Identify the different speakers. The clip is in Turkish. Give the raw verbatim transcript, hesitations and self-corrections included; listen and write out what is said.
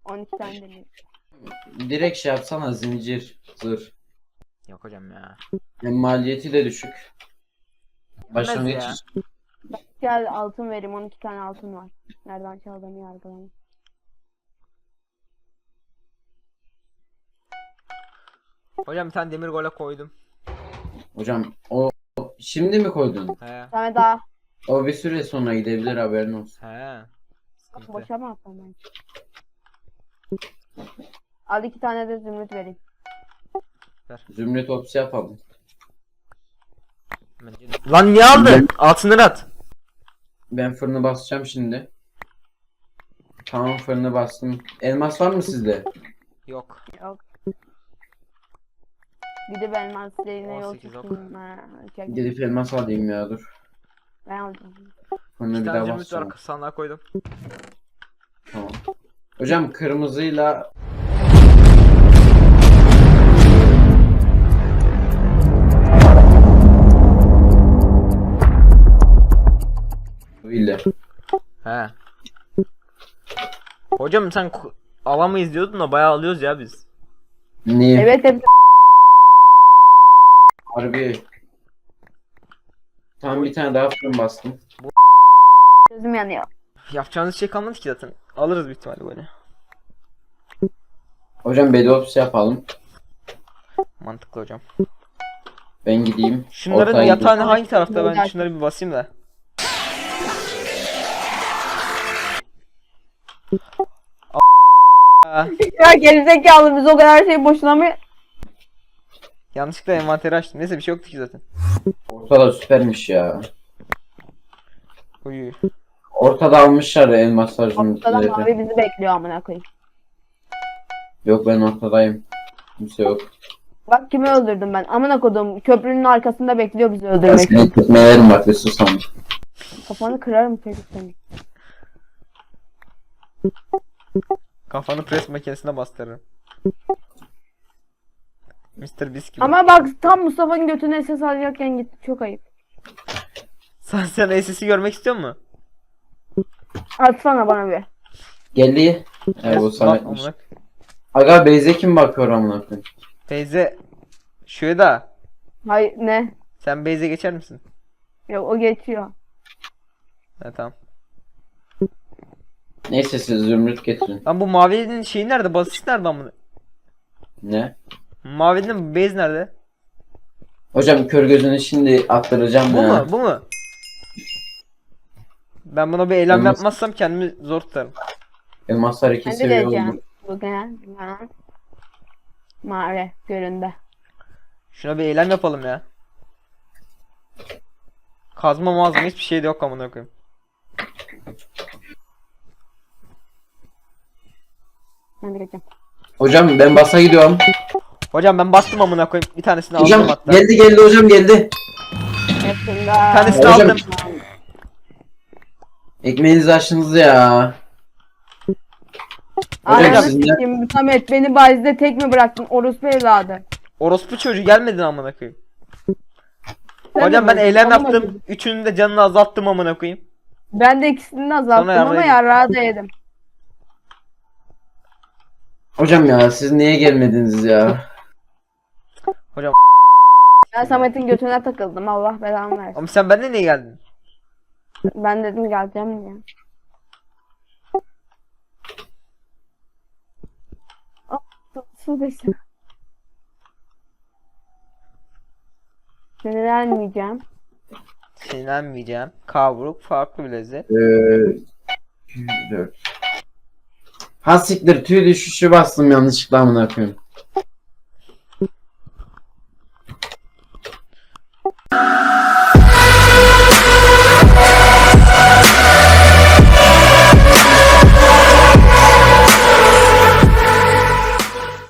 Speaker 1: on iki tane demir.
Speaker 2: Direkt şey yapsana, zincir, zırh.
Speaker 3: Yok hocam ya.
Speaker 2: Hem maliyeti de düşük. Başlangıç
Speaker 3: ya.
Speaker 2: için.
Speaker 1: Gel altın vereyim, on iki tane altın var. Nereden çaldığını yargılamam.
Speaker 3: Hocam bir tane demir gole koydum.
Speaker 2: Hocam o şimdi mi koydun?
Speaker 3: He.
Speaker 1: Bir tane daha.
Speaker 2: O bir süre sonra gidebilir, haberin olsun.
Speaker 3: He. Sıkıntı.
Speaker 1: Boşa mı atsam ben? Al iki tane de zümrüt vereyim.
Speaker 2: Zümrüt opsi yapalım.
Speaker 3: Bence- Lan niye aldın? Altınları at.
Speaker 2: Ben fırını basacağım şimdi. Tamam, fırını bastım. Elmas var mı sizde?
Speaker 3: Yok.
Speaker 1: Yok. Gidip elmas yine
Speaker 3: on
Speaker 1: yol
Speaker 3: sekiz ok.
Speaker 1: tutayım. Ha, çek.
Speaker 2: Gidip elmas alayım ya, dur.
Speaker 1: Ben alacağım.
Speaker 2: Fırını
Speaker 3: Bir
Speaker 2: bir
Speaker 3: tane
Speaker 2: daha
Speaker 3: zümrüt
Speaker 2: basacağım.
Speaker 3: var, sandığa koydum.
Speaker 2: Tamam. Hocam kırmızıyla Villa.
Speaker 3: He. Hocam sen ku- alamayız diyordun da bayağı alıyoruz ya biz.
Speaker 2: Niye?
Speaker 1: Evet hep
Speaker 2: Harbi. Tam bir tane daha fırın bastım.
Speaker 1: gözüm yanıyor.
Speaker 3: Yapacağınız şey kalmadı ki zaten. Alırız büyük ihtimalle böyle.
Speaker 2: Hocam bedopsi yapalım.
Speaker 3: Mantıklı hocam.
Speaker 2: Ben gideyim.
Speaker 3: Şunların
Speaker 2: ortaya
Speaker 3: yatağını
Speaker 2: gideyim.
Speaker 3: hangi tarafta, ben
Speaker 1: Güzel.
Speaker 3: şunları bir basayım da. Aa,
Speaker 1: Ya gerizekalı, biz o kadar şey boşuna mı?
Speaker 3: yanlışlıkla envanteri açtım. Neyse bir şey yoktu ki zaten.
Speaker 2: Ortada süpermiş ya.
Speaker 3: Uyu.
Speaker 2: Ortada almışlar elmaslar,
Speaker 1: Ortada
Speaker 2: zümrütleri.
Speaker 1: mavi bizi bekliyor amına koyayım.
Speaker 2: Yok, ben ortadayım. Kimse yok.
Speaker 1: Bak kimi öldürdüm ben. Amına kodum, köprünün arkasında bekliyor bizi
Speaker 2: Ben
Speaker 1: öldürmek.
Speaker 2: seni tutmayarım bak, ve susam.
Speaker 1: Kafanı kırarım çocuk seni.
Speaker 3: Kafanı pres makinesine bastırırım. mister Beast gibi.
Speaker 1: Ama bak tam Mustafa'nın götüne ses alacakken gitti, çok ayıp.
Speaker 3: Sen sen S S'i görmek istiyor musun?
Speaker 1: Atsana bana bir.
Speaker 2: Geldi. Evet, bu
Speaker 3: Bak,
Speaker 2: Samet'miş.
Speaker 3: amına-
Speaker 2: Aga Beyze kim bakıyor amına koyayım?
Speaker 3: Teyze. Şöyle da.
Speaker 1: Hayır ne?
Speaker 3: Sen Beyze geçer misin?
Speaker 1: Yok, o geçiyor.
Speaker 3: Ha tamam.
Speaker 2: Neyse, siz zümrüt getirin.
Speaker 3: Lan bu mavinin şeyi nerede? Basit nerede amına?
Speaker 2: Ne?
Speaker 3: Mavinin base nerede?
Speaker 2: Hocam kör gözünü şimdi attıracağım
Speaker 3: Bu
Speaker 2: ya.
Speaker 3: mu? Bu mu? Ben buna bir eylem
Speaker 2: Elmas-
Speaker 3: yapmazsam kendimi zor tutarım.
Speaker 2: Elmaslar iki
Speaker 1: Ben de
Speaker 2: seviye
Speaker 1: geleceğim.
Speaker 2: oldu.
Speaker 1: Bugün ha. Mağara göründe.
Speaker 3: Şuna bir eylem yapalım ya. Kazma mazma hiçbir şey de yok amına koyayım.
Speaker 1: Ben de geleceğim.
Speaker 2: Hocam ben basa gidiyorum.
Speaker 3: Hocam ben bastım amına koyayım. Bir tanesini aldım
Speaker 2: Hocam
Speaker 3: hatta.
Speaker 2: geldi geldi hocam geldi.
Speaker 1: Hepsinde.
Speaker 3: tanesini
Speaker 2: Hocam-
Speaker 3: aldım.
Speaker 2: Ekmeğinizi açtınız ya. Hocam
Speaker 1: Ananı
Speaker 2: sizin de-
Speaker 1: sikeyim, Samet beni bazide tek mi bıraktın, orospu evladı?
Speaker 3: Orospu çocuğu gelmedin amına koyayım.
Speaker 1: Sen
Speaker 3: Hocam
Speaker 1: mi
Speaker 3: ben
Speaker 1: vurdun?
Speaker 3: eylem
Speaker 1: Amına
Speaker 3: yaptım.
Speaker 1: koydum.
Speaker 3: Üçünün de canını azalttım amına koyayım.
Speaker 1: Ben de ikisini de azalttım
Speaker 3: Sonra
Speaker 1: ama
Speaker 3: yarrağı
Speaker 1: yarrağı da yedim.
Speaker 2: Hocam ya siz niye gelmediniz ya?
Speaker 3: Hocam
Speaker 1: Ben Samet'in götüne takıldım, Allah belamı versin.
Speaker 3: ama sen benden niye geldin?
Speaker 1: Ben dedim geleceğim diye. Ah, su desin. Sinirlenmeyeceğim.
Speaker 3: Sinirlenmeyeceğim. Kavruk farklı bir lezzet.
Speaker 2: Ee, dört. Ha siktir, tüy düşüşü bastım yanlışlıkla amına koyayım.